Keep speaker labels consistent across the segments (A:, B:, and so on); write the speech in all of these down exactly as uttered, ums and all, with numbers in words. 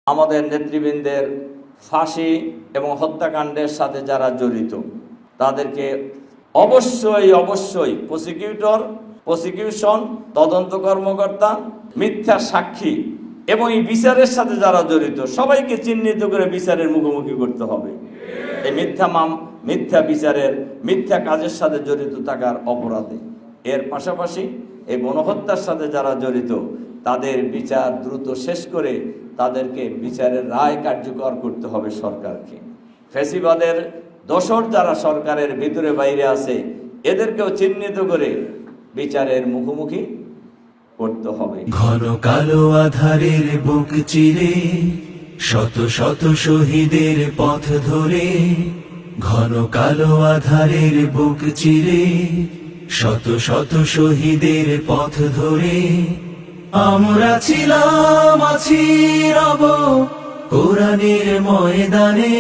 A: আমাদের নেতৃবৃন্দের ফাঁসি এবং হত্যাকাণ্ডের সাথে যারা জড়িত তাদেরকে অবশ্যই অবশ্যই প্রসিকিউটর প্রসিকিউশন তদন্ত কর্মকর্তা মিথ্যা সাক্ষী এবং এই বিচারের সাথে যারা জড়িত সবাইকে চিহ্নিত করে বিচারের মুখোমুখি করতে হবে। এই মিথ্যা মাম মিথ্যা বিচারের মিথ্যা কাজের সাথে জড়িত থাকার অপরাধে। এর পাশাপাশি এই গণহত্যার সাথে যারা জড়িত তাদের বিচার দ্রুত শেষ করে তাদেরকে বিচারের রায় কার্যকর করতে হবে সরকারকে। ফ্যাসিবাদের দোসর যারা সরকারের ভিতরে বাইরে আছে এদেরকেও চিহ্নিত করে বিচারের মুখোমুখি করতে হবে।
B: ঘন কালো আধারের বুক চিরে শত শত শহীদের পথ ধরে, ঘন কালো আধারের বুক চিরে শত শত শহীদের পথ ধরে আমরা ছিলাম আছি রব কোরআনের ময়দানে,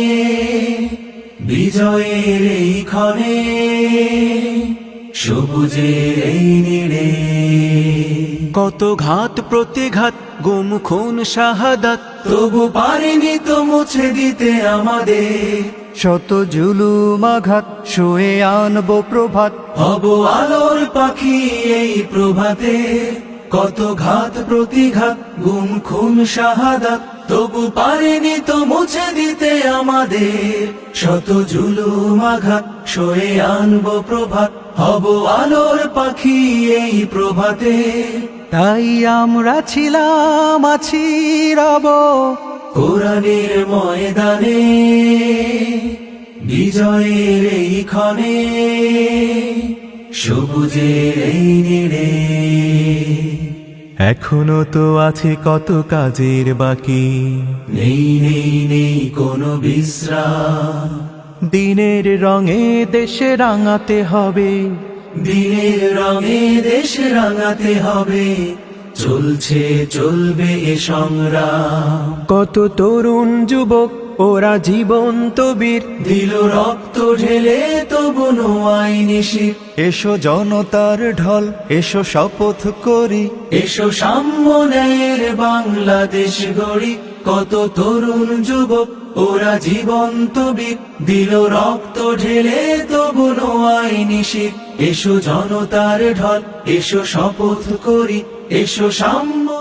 B: বিজয়ের এই ক্ষণে সবুজের এই নীড়ে। কত ঘাত প্রতিঘাত গুম খুন শাহাদাত, তবু পারিনি তো মুছে দিতে আমাদের
C: শত জুলুম আঘাত, শুয়ে আনবো প্রভাত,
B: হব আলোর পাখি এই প্রভাতে। কত ঘাত প্রতিঘাত গুম খুন শাহাদাত, তবু পারিনি তো মুছে দিতে আমাদের শত জুলুম আঘাত, শুয়ে আনবো প্রভাত, হব আলোর পাখি এই প্রভাতে।
C: তাই আমরা ছিলাম আছি রব
B: কোরআনের ময়দানে, বিজয়ের এই ক্ষণে সবুজের এই নীড়ে।
C: এখনো তো আছে কত কাজের বাকি,
B: নেই নেই নেই কোনো বিশ্রাম,
C: দিনের রঙে দেশে রাঙাতে হবে,
B: দিনের রঙে দেশ রাঙাতে হবে, চলছে চলবে এ সংগ্রাম।
C: কত তরুণ যুবক ওরা জীবন্ত বীর,
B: দিল রক্ত ঢেলে তবু নোয়াই নিশির।
C: এসো জনতার ঢল, এসো শপথ করি,
B: এসো সাম্য ন্যায়ের বাংলাদেশ গড়ি। কত তরুণ যুবক ওরা জীবন্ত বীর, দিল রক্ত ঢেলে তবু নোয়াই নিশির। এসো জনতার ঢল, এসো শপথ করি, এসো সাম্য